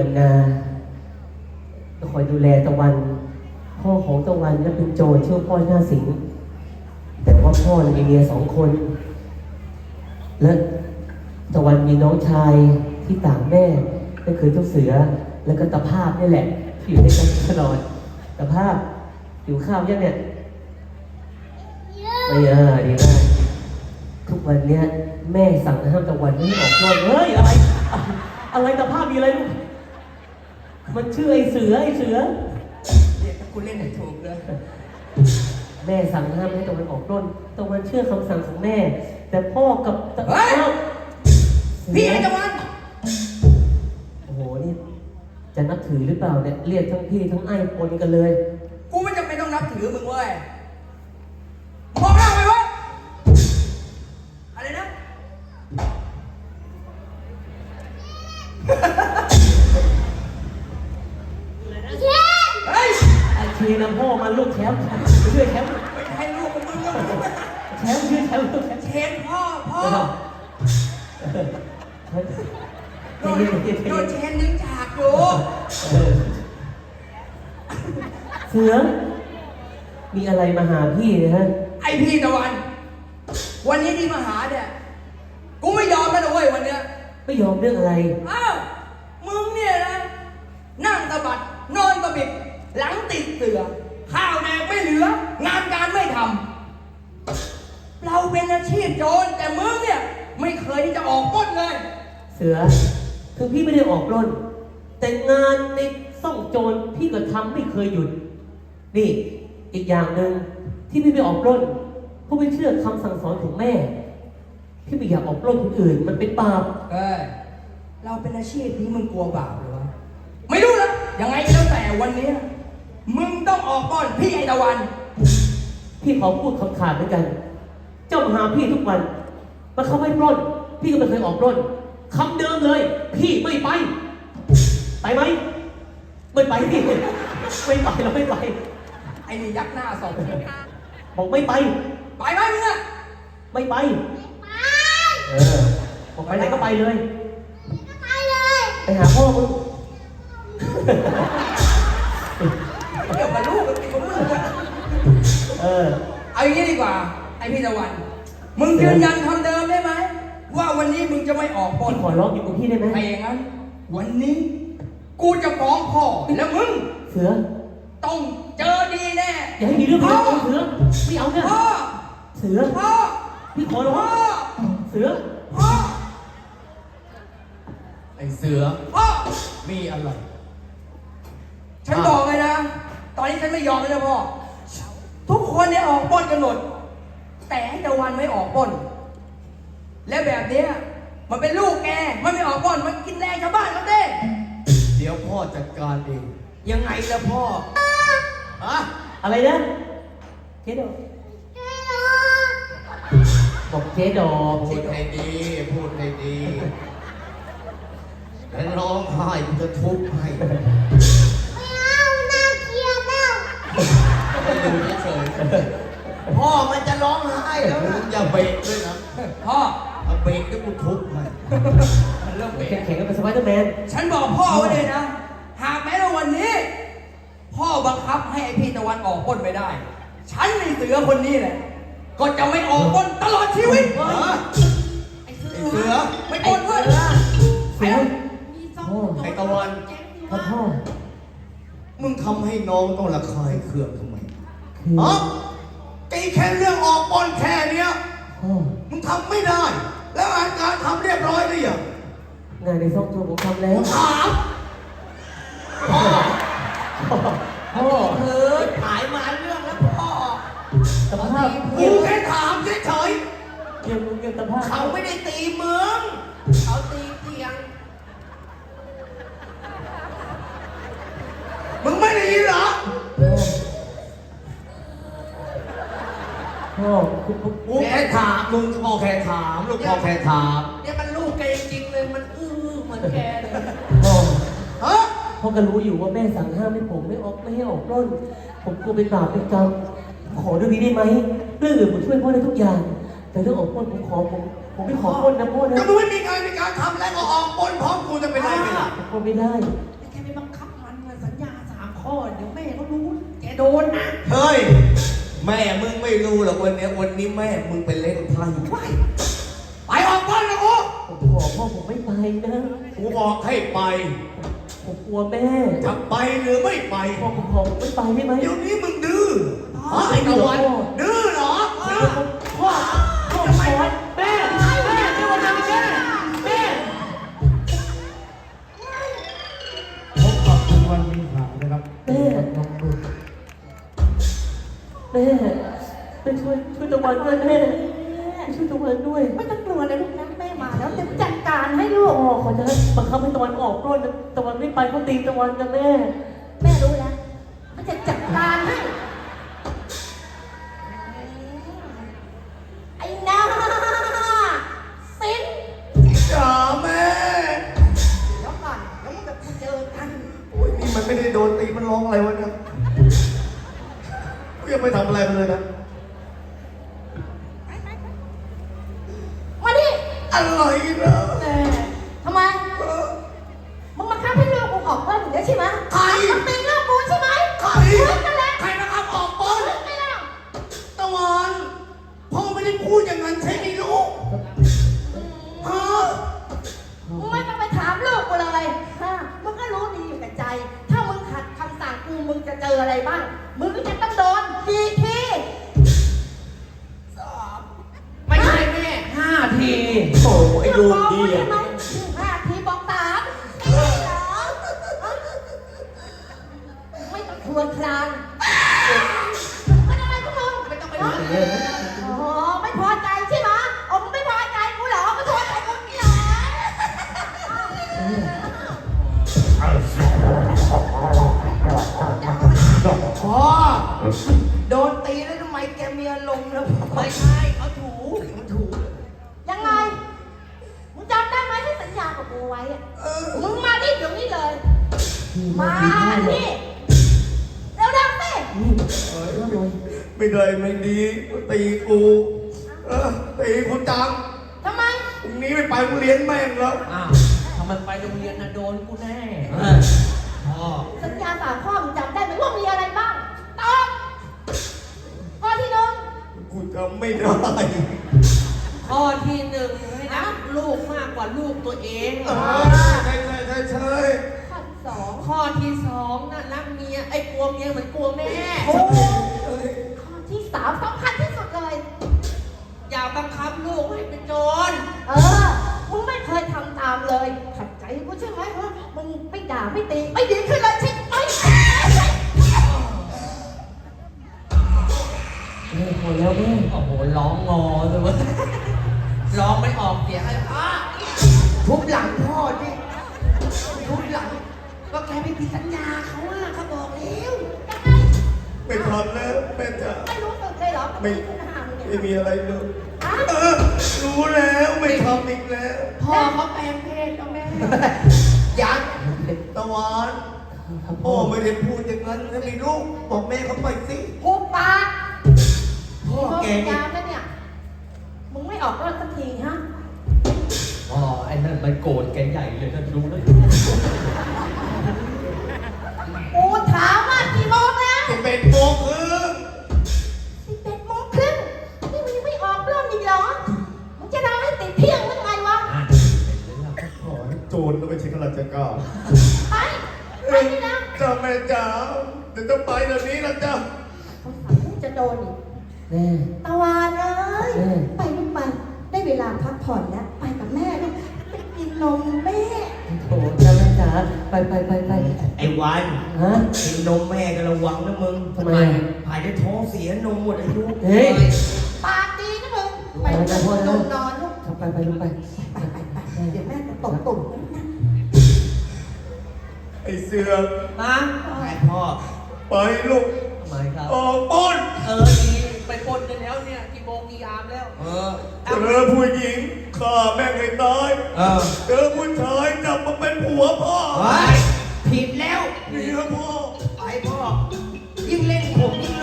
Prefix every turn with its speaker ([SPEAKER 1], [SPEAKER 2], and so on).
[SPEAKER 1] วันนาจะคอยดูแลตะวันพ่อของตะวันนั้นเป็นโจรชื่อพ่อหน้าสิงห์แต่ว่าพ่อมีเมีย2 คนและตะวันมีน้องชายที่ต่างแม่ก็คือเจ้าเสือแล้วก็ตะภาพนี่แหละที่อยู่ด้วยกันตลอดตะภาพอยู่ข้าวยังเนี่ยไม่ดีมากทุกวันเนี้ยแม่สั่งห้ามตะวันไม่ให้ออกนอกเฮ้ยอะไรตะภาพมีอะไรลูกมันชื่อไอ้เสือ
[SPEAKER 2] เนี่ยถ้าคุณเล่นให้ถูกเลย
[SPEAKER 1] แม่สั่งห้ามให้ตะวันออกปล้นตะวันเชื่อคำสั่งของแม่แต่พ่อกับ
[SPEAKER 2] เฮ้ยพี่ไอ้ตะวัน
[SPEAKER 1] โอ้โหนี่จะนับถือหรือเปล่าเนี่ยเรียกทั้งพี่ทั้งไอ้ปนกันเลย
[SPEAKER 2] กูไม่จำเป็นต้องนับถือมึงเว้ยบอกหน้าไปวะอะไรนะเฮ้ย
[SPEAKER 1] ไอ้เชนพ่อมันลูกแชมป์ช่วยแชมป์
[SPEAKER 2] ไม่ใช่ลูกของมึงแล้ว
[SPEAKER 1] แชมป์ช่วยแชมป์
[SPEAKER 2] เชนพ่อโดนเชนดึงฉากอยู่
[SPEAKER 1] เสือมีอะไรมาหาพี่นะฮะ
[SPEAKER 2] ไอพี่ตะวันวันนี้ที่มาหาเนี่ยกูไม่ยอมแล้วนะเว้ยวันเนี้ย
[SPEAKER 1] ไม่ยอมเรื่องอะไร
[SPEAKER 2] อ้าวมึงเนี่ยนะนั่งตะบัดนอนตะบิดหลังติดเสือข้าวแดงไม่เหลืองานการไม่ทำเราเป็นอาชีพโจรแต่มึงเนี่ยไม่เคยที่จะออกปล้นเลย
[SPEAKER 1] เสือคือพี่ไม่ได้ออกปล้นแต่งานในซ่องโจรพี่ก็ทำไม่เคยหยุดนี่อีกอย่างหนึ่งที่พี่ไม่ออกปล้นเพราะไม่เชื่อคำสั่งสอนของแม่พี่ไม่อยากออกปล้นคนอื่นมันเป็นบาป
[SPEAKER 2] เราเป็นอาชีพนี้มึงกลัวบาปหรือวะไม่รู้นะยังไงก็แล้วแต่วันนี้มึงต้องออกปล้นพี่ไอตะวัน
[SPEAKER 1] พี่ขอพูดคำขาดเหมือนกันเจ้ามาหาพี่ทุกวันมาเขาไม่ปล้นพี่ก็ไม่เคยออกปล้นคำเดิมเลยพี่ไม่ไปไหมไม่ไปพี่ไม่ไปเราไม่ไป
[SPEAKER 2] ไอ้นี่ยักหน้าสอง
[SPEAKER 1] บอกไม่ไป
[SPEAKER 2] ไหมมึงอะ
[SPEAKER 1] ไม่ไปบอกไปไหนก็ไปเลยไปหาพ่อมึง
[SPEAKER 2] เดี๋ยวกับลูกติดกับมึงเอาอย่างนี้ดีกว่าไอพี่ตะวันมึงยืนยันคำเดิมได้ไหมว่าวันนี้มึงจะไม่ออกปล้น
[SPEAKER 1] ขอร้องอยู่กับพี่ได้ไหม
[SPEAKER 2] ไม่อย่างนั้นวันนี้กูจะฟ้องพ่อแล้วมึง
[SPEAKER 1] เสือ
[SPEAKER 2] ต้องเจอดีแน่
[SPEAKER 1] อย่าให้มีเรื่องพ่อเสือไม่เอาเนี่ย
[SPEAKER 2] พ่อ
[SPEAKER 1] เสือ
[SPEAKER 2] พ่อ
[SPEAKER 1] พี่ขอร้องเสือ
[SPEAKER 2] พ่อ
[SPEAKER 3] ไอเสือ
[SPEAKER 2] พ่อ
[SPEAKER 3] มีอะไร
[SPEAKER 2] ฉันบอกเลยนะตอนนี้ฉันไม่ยอมเลยนะพ่อทุกคนเนี่ยออกปล้นกันหมดแต่ไอ้ตะวันไม่ออกปล้นและแบบนี้มันเป็นลูกแกมันไม่ออกปล้นมันกินแรงชาวบ้านเขาเด้
[SPEAKER 3] เดี๋ยวพ่อจัดการเอง
[SPEAKER 2] ยังไงล่ะพ่อ
[SPEAKER 1] อะไรนะเจ๊ดอกบอกเจ๊ดอก
[SPEAKER 3] พูดให้ดีแล้วร้องไห้กูจะทุบให้
[SPEAKER 4] ไม่เอาน่าเกลียดแล้ว
[SPEAKER 3] ไม่ดูเฉย
[SPEAKER 2] พ่อมันจะร้องไห้แล้วนะ
[SPEAKER 3] อย่าเบรกด้วยนะ
[SPEAKER 2] พ่อ
[SPEAKER 3] ถ้าเบรกก็กูทุบให้
[SPEAKER 2] มันเริ่มเบรก
[SPEAKER 1] แข่งกันเป็นสไปเดอร์แมน
[SPEAKER 2] ฉันบอกพ่อไว้เลยนะหากแม้ว่าวันนี้พ่อบังคับให้ไอพี่ตะวันออกปล้นไม่ได้ฉันในเสือคนนี้แหละก็จะไม่ออกปล้นตลอดชีวิต
[SPEAKER 3] ไอเสือ
[SPEAKER 2] ไม่ปล้นเว้ย
[SPEAKER 1] เสือ
[SPEAKER 3] ไอตะวัน
[SPEAKER 1] พ่อ
[SPEAKER 3] มึงทำให้น้องต้องระคายเคืองทำไมอ๋อตีแค่เรื่องออกปล้นแค่เนี้ยมึงทำไม่ได้แล้วงานการทำเรียบร้อยหรือยัง
[SPEAKER 1] งานในซ่องโจรผมทำแล้ว
[SPEAKER 3] ถาม
[SPEAKER 2] พ่อเฮ้ยหายมาเรื่องแล้วพ่อ
[SPEAKER 1] สภาพ
[SPEAKER 3] กูแค่ถามเฉย
[SPEAKER 1] เกี่ยวสภาพ
[SPEAKER 2] เขาไม่ได้ตีเมืองเขาตีเตียง
[SPEAKER 3] มึงไม่ได้ยินเหรอ
[SPEAKER 1] พ่อ
[SPEAKER 3] กูแค่ถามมึงพ่อแค่ถามลูกพ่อแค่ถาม
[SPEAKER 2] เนี่ยมันลูกแกจริงเลยมันเหมือนแกเลย
[SPEAKER 1] พ่อก็รู้อยู่ว่าแม่สั่งห้ามให้ผมไม่ให้ออกปล้นผมกลัวเป็นบาปเป็นกรรมขอเรื่องนี้ได้ไหมเรื่องอื่นผมช่วยพ่อได้ทุกอย่างแต่เรื่องออกปล้นผมผมไม่ขอปล้นนะพ่อนะ
[SPEAKER 3] ก็มึงไม่มีการทำแล้วก็ออกปล้นพร้อมกูจะเป็นไรไปล่ะ
[SPEAKER 1] ปล้นไม่ได้
[SPEAKER 5] แกไปบังคับมันนะสัญญา3 ข้อเดี๋ยวแม่เขารู้แกโดนนะ
[SPEAKER 3] เฮ้ยแม่มึงไม่รู้หรอกวันนี้แม่มึงเป็นเล่นไพ่ไปออกปล้นนะกู
[SPEAKER 1] ผมขอพ่อผมไม่ไปนะ
[SPEAKER 3] กูบอกให้ไป
[SPEAKER 1] ผมกลัวแม่
[SPEAKER 3] จะไปหรือไม่ไป
[SPEAKER 1] พ่อผมขอผมไม่ไปได้ไหม
[SPEAKER 3] เดี๋ยวนี้มึงดื้อไอ้ตะวันดื้อเหรอ
[SPEAKER 1] พ่อจะไปแม่ไม่วันนั้นแม่
[SPEAKER 6] พบกับคุณวันมีข่าวนะครับ
[SPEAKER 1] แม่ไปช่วยตะวันด้วยแม่ช่วยตะวันด้วย
[SPEAKER 5] ไม่ต้องกลัวเลยลูกนะแม่มาแล้วจะจัดการให้ลูก
[SPEAKER 1] พ่อเขาจะบังคับให้ตะวันออกปล้นตะวันไม่ไปเขาตีตะวันกันแม่
[SPEAKER 5] แม่รู้แล้วมันจะจัดการให้ไอ้น้าสิน
[SPEAKER 3] จ๋าแม่
[SPEAKER 5] เดี๋ยวก่อนแล้วมันจะเจอกัน
[SPEAKER 3] โอ้ยนี่มันไม่ได้โดนตีมันร้องอะไรวะเนี่ยกูยังไม่ทำอะไรมันเลยนะ
[SPEAKER 5] มาดิ
[SPEAKER 3] อะไรนะ
[SPEAKER 5] แม่ทำไมมึงมาฆ่าพี่ลูกกูออกบ้านอยู่แล้วใช่ไหม
[SPEAKER 3] ใคร
[SPEAKER 5] มึงตีลูกกูใช่ไหม
[SPEAKER 3] ใคร
[SPEAKER 5] มึงนั่นแหละ
[SPEAKER 3] ใครนะครับออกปล้น
[SPEAKER 5] มึงไม่ได้
[SPEAKER 3] ตะวันพ่อไม่ได้พูดอย่างนั้นใช่ไหมลูกฮะ
[SPEAKER 5] มึงไม่ต้องไปถามลูกกูเลยฮะมึงก็รู้ดีอยู่กับใจ ถ้ามึงขัดคำสั่งกูมึงจะเจออะไรบ้าง มึงก็จะต้องโดนทีที
[SPEAKER 2] ไม่ใช่แม่5 ที
[SPEAKER 3] โอ้ไอ้ลูกดี
[SPEAKER 5] ใช่
[SPEAKER 3] อ่ะ
[SPEAKER 5] ไหม5 ทีบอก3เหรอไม่ต้องทวนคลานเป็นอะไรพวกมึงไม่ต้องไปว่าอ๋อไม่พอใจใช่ไหมอ๋อมึงไม่พอใจกูเหรอไม่พอใจกูเหรอ
[SPEAKER 2] พ่อโดนตีแล้วทำไมแกมีอารมณ์แล้วไม่ใช่เขาถูมันถู
[SPEAKER 5] ยังไง มึงจำได้ไหมที่สัญญากับกูไว้อะมึงมาที่เดี๋ยวนี้เลย มาที่เร็วๆสิ
[SPEAKER 3] ไม่ได้ไม่ดีตีกูตีกูจัง
[SPEAKER 5] ทำไม
[SPEAKER 3] พรุ่งนี้ไม่ไปกูเลี้ยงแม่งแล้ว
[SPEAKER 2] อ้าวถ้ามันไปโรงเรียนนะโดนกูแน่พ่อ
[SPEAKER 5] สัญญา3 ข้อมึงจำได้ไหมว่ามีอะไรบ้างตอบข้อที่หนึ่ง
[SPEAKER 3] กูจำไม่ได้
[SPEAKER 2] ข้อที่ 1ให้รักลูกมากกว่าลูกตัวเอง
[SPEAKER 3] ใช่ใช่
[SPEAKER 5] ข้อที่ 2
[SPEAKER 2] ข้อที่ 2น่ะรักเมียไอ้กลัวเมียเหมือนกลัวแม่
[SPEAKER 5] โอ้ข้อที่ 3สำคัญที่สุดเลย
[SPEAKER 2] อย่าบังคับลูกให้เป็นโจร
[SPEAKER 5] มึงไม่เคยทำตามเลยขัดใจกูใช่ไหมฮะมึงไม่ด่าไม่ตีไม่ดีขึ้นเลยใช่ไหม
[SPEAKER 1] แม่พอแล้วแม่
[SPEAKER 2] โอ้โหร้องงอเลยเว้ยร้องไม่ออกเสียงอะไรพ่อทุบหลังพ่อดิทุบหลังก็แกไม่ผิดสัญญาเขาอะเขาบอกแล้ว
[SPEAKER 3] ไม่ทำแล้วแม่จ๋า
[SPEAKER 5] ไม่รู้สึกเลยเหรอ
[SPEAKER 3] ไม่
[SPEAKER 5] ขึ้นหามึง
[SPEAKER 3] ไม่
[SPEAKER 5] เนี่ย
[SPEAKER 3] มีอะไรเลย
[SPEAKER 5] ฮะ
[SPEAKER 3] รู้แล้วไม่ทำอีกแล้ว
[SPEAKER 2] พ่อเขาแปลงเพศแล้วแม่
[SPEAKER 3] ยักษ์ตะวันพ่อไม่ได้พูดอย่างนั้นถ้ามีลูกบอกแม่เขาไปสิ
[SPEAKER 5] กูปาก
[SPEAKER 3] พ่อแก
[SPEAKER 5] มึง
[SPEAKER 3] นี่
[SPEAKER 5] ยามแล้วเนี่ย มึงไม่ออกรถสักทีฮะ
[SPEAKER 2] อ๋อไอ้นั่นมันโกรธแกใหญ่เลยนะรู้แล้ว
[SPEAKER 5] กูถามว่ากี่โมงแล้ว
[SPEAKER 3] 11 โมงครึ่ง
[SPEAKER 5] 11 โมงครึ่งนี่มึงยังไม่ออกรถอีกเหรอ มึงจะรอให้ติดเที่ยงหรือไงวะ
[SPEAKER 3] ขอให้โจรแล้วไม่ใช่ข้าราชการ
[SPEAKER 5] ไป ไปนี่นะ
[SPEAKER 3] จ้าแม่จ๋าเดี๋ยวจะไปเดี๋ยวนี้นะจ๊ะ
[SPEAKER 5] เขาสั่งให้จะโดนอีก
[SPEAKER 1] แม่
[SPEAKER 5] ตะวันเอ้ย
[SPEAKER 1] แม่
[SPEAKER 5] ไปลูกไป ได้เวลาพักผ่อนแล้ว ไปกับแม่ลูกไปกินนมแม่
[SPEAKER 1] โถจ้าแม่จ๋าไป
[SPEAKER 3] ไอ้วัน
[SPEAKER 1] ฮะ
[SPEAKER 3] กินนมแม่ก็ระวังนะมึง
[SPEAKER 1] ทำไม
[SPEAKER 3] หายได้ท้องเสียนมหมดอายุ
[SPEAKER 1] เฮ้ย
[SPEAKER 5] ปากดีนะมึง ไป
[SPEAKER 1] ไปไปพ่อนะ
[SPEAKER 5] นมนอนลูก
[SPEAKER 1] ไปลูกไป
[SPEAKER 5] ไปเดี๋ยวแม่จะตบตุ่มนะ
[SPEAKER 3] ไอ้เสือ
[SPEAKER 2] มา
[SPEAKER 3] ไอ้พ่อ ไปลูก
[SPEAKER 2] ทำไมครับ
[SPEAKER 3] ออกปล้น
[SPEAKER 2] ดีไปปล้นกันแล้วเนี่ยกี่โมงกี่ยามแล้ว
[SPEAKER 3] เจอผู้หญิงฆ่าแม่งให้ตายเจอผู้ชายจับมาเป็นผัวพ่อ
[SPEAKER 2] ผิดแล้ว
[SPEAKER 3] เมียพ่อ